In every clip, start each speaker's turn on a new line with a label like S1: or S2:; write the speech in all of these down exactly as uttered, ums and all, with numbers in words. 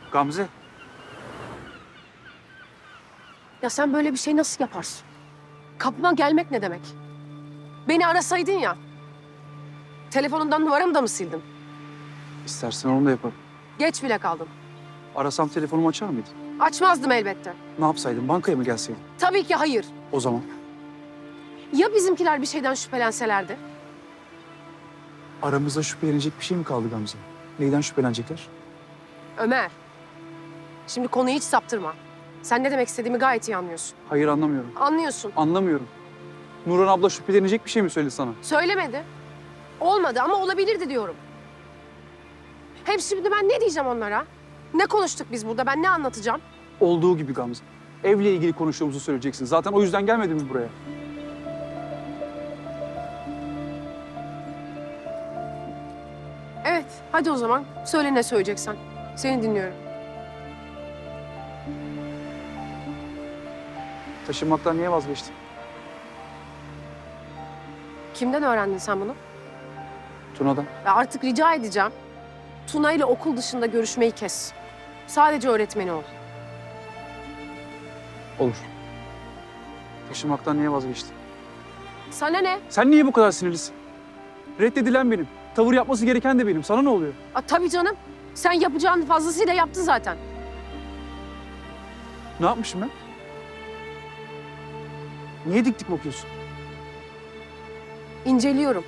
S1: Gamze.
S2: Ya sen böyle bir şey nasıl yaparsın? Kapıma gelmek ne demek? Beni arasaydın ya. Telefonundan numaramı da mı sildin?
S1: İstersen onu da yaparım.
S2: Geç bile kaldın.
S1: Arasam telefonumu açar mıydın?
S2: Açmazdım elbette.
S1: Ne yapsaydım? Bankaya mı gelseydim?
S2: Tabii ki hayır.
S1: O zaman
S2: Ya bizimkiler bir şeyden şüphelenselerdi?
S1: aramızda şüphelenecek bir şey mi kaldı Gamze? Neyden şüphelenecekler?
S2: Ömer. Şimdi konuyu hiç saptırma. Sen ne demek istediğimi gayet iyi anlıyorsun.
S1: Hayır, anlamıyorum.
S2: Anlıyorsun.
S1: Anlamıyorum. Nurhan abla şüphelenecek bir şey mi söyledi sana?
S2: Söylemedi. Olmadı ama olabilirdi diyorum. Hem şimdi ben ne diyeceğim onlara? Ne konuştuk biz burada? Ben ne anlatacağım?
S1: Olduğu gibi Gamze. Evle ilgili konuştuğumuzu söyleyeceksin. Zaten o yüzden gelmedin mi buraya?
S2: Evet, hadi o zaman. Söyle ne söyleyeceksen. Seni dinliyorum.
S1: Taşınmaktan niye vazgeçtin?
S2: Kimden öğrendin sen bunu?
S1: Tuna'dan.
S2: Ya artık rica edeceğim. Tuna ile okul dışında görüşmeyi kes. Sadece öğretmeni ol.
S1: Olur. Taşınmaktan niye vazgeçtin?
S2: Sana ne?
S1: Sen niye bu kadar sinirlisin? Reddedilen benim. Tavır yapması gereken de benim. Sana ne oluyor?
S2: Aa, tabii canım. Sen yapacağını fazlasıyla yaptın zaten.
S1: Ne yapmışım ben? Niye dik dik bakıyorsun?
S2: İnceliyorum.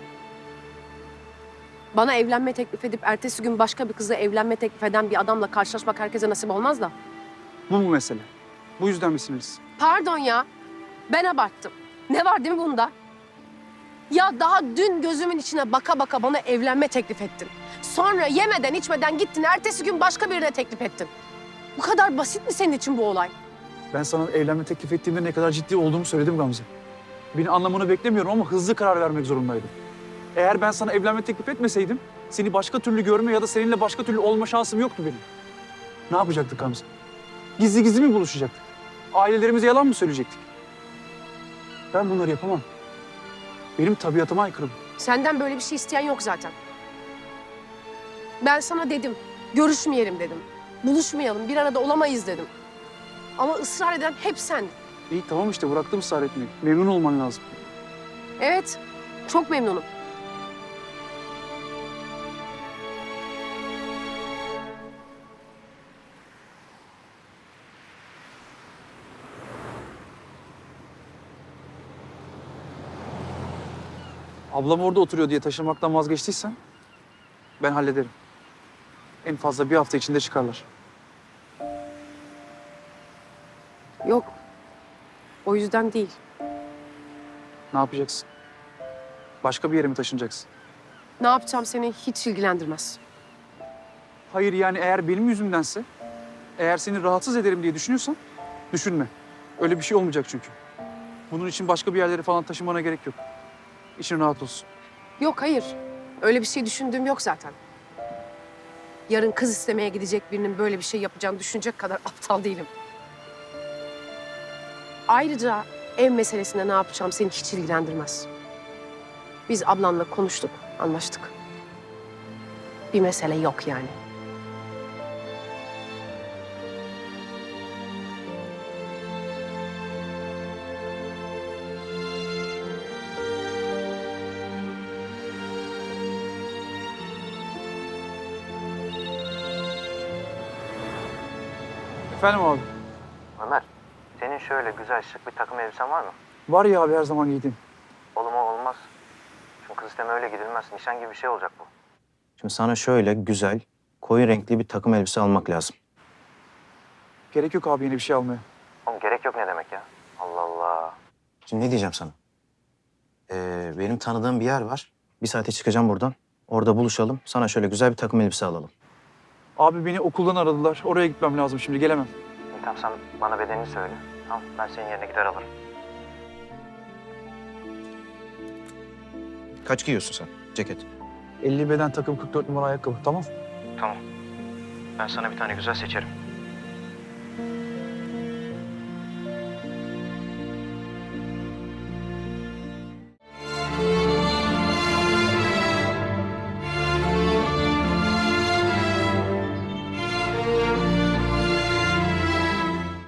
S2: Bana evlenme teklif edip ertesi gün başka bir kızla evlenme teklif eden bir adamla karşılaşmak herkese nasip olmaz da.
S1: Bu mu mesele? Bu yüzden mi sinirlisin?
S2: Pardon ya. Ben abarttım. Ne var değil mi bunda? Ya daha dün gözümün içine baka baka bana evlenme teklif ettin. Sonra yemeden içmeden gittin. Ertesi gün başka birine teklif ettin. Bu kadar basit mi senin için bu olay?
S1: Ben sana evlenme teklif ettiğimde ne kadar ciddi olduğumu söyledim Gamze. Beni anlamanı beklemiyorum ama hızlı karar vermek zorundaydım. Eğer ben sana evlenme teklif etmeseydim, seni başka türlü görme ya da seninle başka türlü olma şansım yoktu benim. Ne yapacaktık Gamze? Gizli gizli mi buluşacaktık? Ailelerimize yalan mı söyleyecektik? Ben bunları yapamam. Benim tabiatıma aykırı bu.
S2: Senden böyle bir şey isteyen yok zaten. Ben sana dedim, görüşmeyelim dedim. Buluşmayalım, bir arada olamayız dedim. Ama ısrar eden hep sendin.
S1: İyi tamam işte bıraktım ısrar etmeyi. Memnun olman lazım.
S2: Evet, çok memnunum.
S1: Ablam orada oturuyor diye taşınmaktan vazgeçtiysen ben hallederim. En fazla bir hafta içinde çıkarlar.
S2: Yok, o yüzden değil.
S1: Ne yapacaksın? Başka bir yere mi taşınacaksın?
S2: Ne yapacağım seni hiç ilgilendirmez.
S1: Hayır yani eğer benim yüzümdense, eğer seni rahatsız ederim diye düşünüyorsan düşünme. Öyle bir şey olmayacak çünkü. Bunun için başka bir yerlere falan taşımana gerek yok. İçin rahat olsun.
S2: Yok, hayır. Öyle bir şey düşündüğüm yok zaten. Yarın kız istemeye gidecek birinin böyle bir şey yapacağını düşünecek kadar aptal değilim. Ayrıca ev meselesinde ne yapacağım seni hiç ilgilendirmez. Biz ablanla konuştuk, anlaştık. Bir mesele yok yani.
S1: Efendim abi?
S3: Ömer, senin şöyle güzel şık bir takım elbisen var mı?
S1: Var ya abi her zaman giydiğim.
S3: Olur mu olmaz. Çünkü kız isteme öyle gidilmez. Nişan gibi bir şey olacak bu. Şimdi sana şöyle güzel, koyu renkli bir takım elbise almak lazım.
S1: Gerek yok abi yeni bir şey almaya.
S3: Oğlum gerek yok ne demek ya? Allah Allah. Şimdi ne diyeceğim sana? Ee, benim tanıdığım bir yer var. Bir saate çıkacağım buradan. Orada buluşalım. Sana şöyle güzel bir takım elbise alalım.
S1: Abi beni okuldan aradılar. Oraya gitmem lazım şimdi gelemem.
S3: Tamam sen bana bedenini söyle. Tamam ben senin yerine gider alırım. Kaç giyiyorsun sen ceket?
S1: elli beden takım kırk dört numara ayakkabı tamam.
S3: Tamam. Ben sana bir tane güzel seçerim.